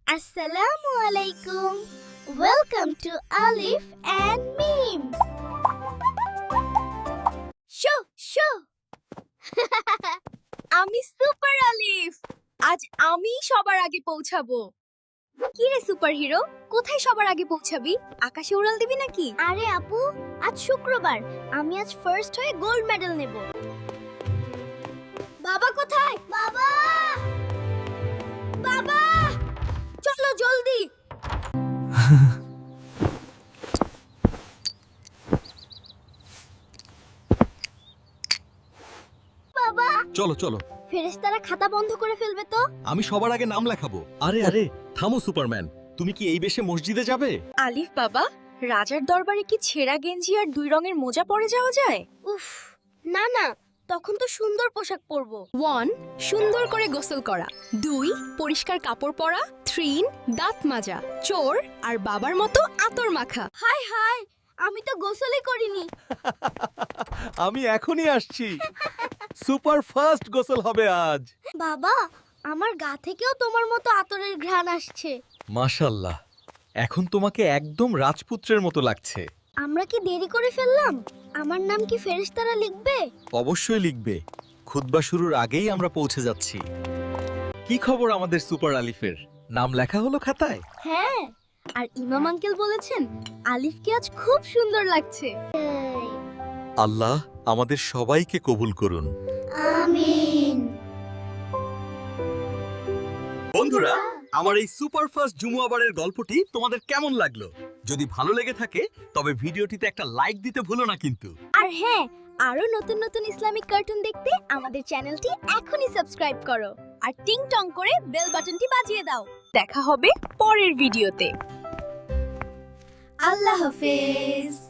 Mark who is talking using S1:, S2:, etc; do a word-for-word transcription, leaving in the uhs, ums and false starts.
S1: Assalamu alaikum. Welcome to Alif and Mim. Shoo shoo.
S2: আমি super Alif. আজ আমি সবার আগে পৌঁছাবো। কি রে সুপার হিরো, কোথায় সবার আগে পৌঁছাবি? আকাশে উড়াল দিবি নাকি?
S1: আরে আপু, আজ শুক্রবার, আমি আজ ফার্স্ট হয়ে গোল্ড মেডেল নেব। বাবা কোথায়? বাবা! বাবা! চলো জলদি। বাবা,
S3: চলো চলো,
S1: ফেরেশতারা খাতা বন্ধ করে ফেলবে তো?
S3: আমি সবার আগে নাম লেখাবো। আরে আরে থামো সুপারম্যান, তুমি কি এই বেশে মসজিদে যাবে?
S2: আলিফ বাবা, রাজার দরবারে কি ছেঁড়া গেঞ্জি আর দুই রঙের মোজা পরে যাওয়া যায়?
S1: উফ, না না, তখন তো সুন্দর পোশাক পরবো।
S2: ওয়ান, সুন্দর করে গোসল করা। দুই, পরিষ্কার কাপড় পরা। থ্রি, দাঁত মাজা। চোর আর বাবার মতো আতর মাখা।
S1: হাই হাই, আমি তো গোসলই করিনি।
S3: আমি এখনই আসছি। সুপার ফাস্ট গোসল হবে আজ।
S1: বাবা, আমার গা থেকেও তোমার মতো আতরের ঘ্রাণ আসছে।
S3: মাশাআল্লাহ, এখন তোমাকে একদম রাজপুত্রের মতো লাগছে।
S1: আমরা কি দেরি করে ফেললাম? আমার নাম কি ফেরেশতারা লিখবে?
S3: অবশ্যই লিখবে। খুতবা শুরুর আগেই আমরা পৌঁছে যাচ্ছি। কি খবর আমাদের সুপার আলিফের? নাম লেখা হলো খাতায়?
S1: হ্যাঁ, আর ইমাম আঙ্কেল বলেছেন আলিফকে আজ খুব সুন্দর লাগছে।
S3: আল্লাহ আমাদের সবাইকে কবুল করুন।
S1: আমিন।
S3: বন্ধুরা, আমার এই সুপার ফাস্ট জুমুয়াবারের গল্পটি তোমাদের কেমন লাগলো? যদি ভালো লেগে থাকে তবে ভিডিওটিতে একটা লাইক দিতে ভুলো না কিন্তু।
S1: আর হ্যাঁ, আরো নতুন নতুন ইসলামিক কার্টুন দেখতে আমাদের চ্যানেলটি এখনই সাবস্ক্রাইব করো
S2: আর টিং টং করে বেল বাটনটি বাজিয়ে দাও। দেখা হবে পরের ভিডিওতে।
S1: আল্লাহ হাফেজ।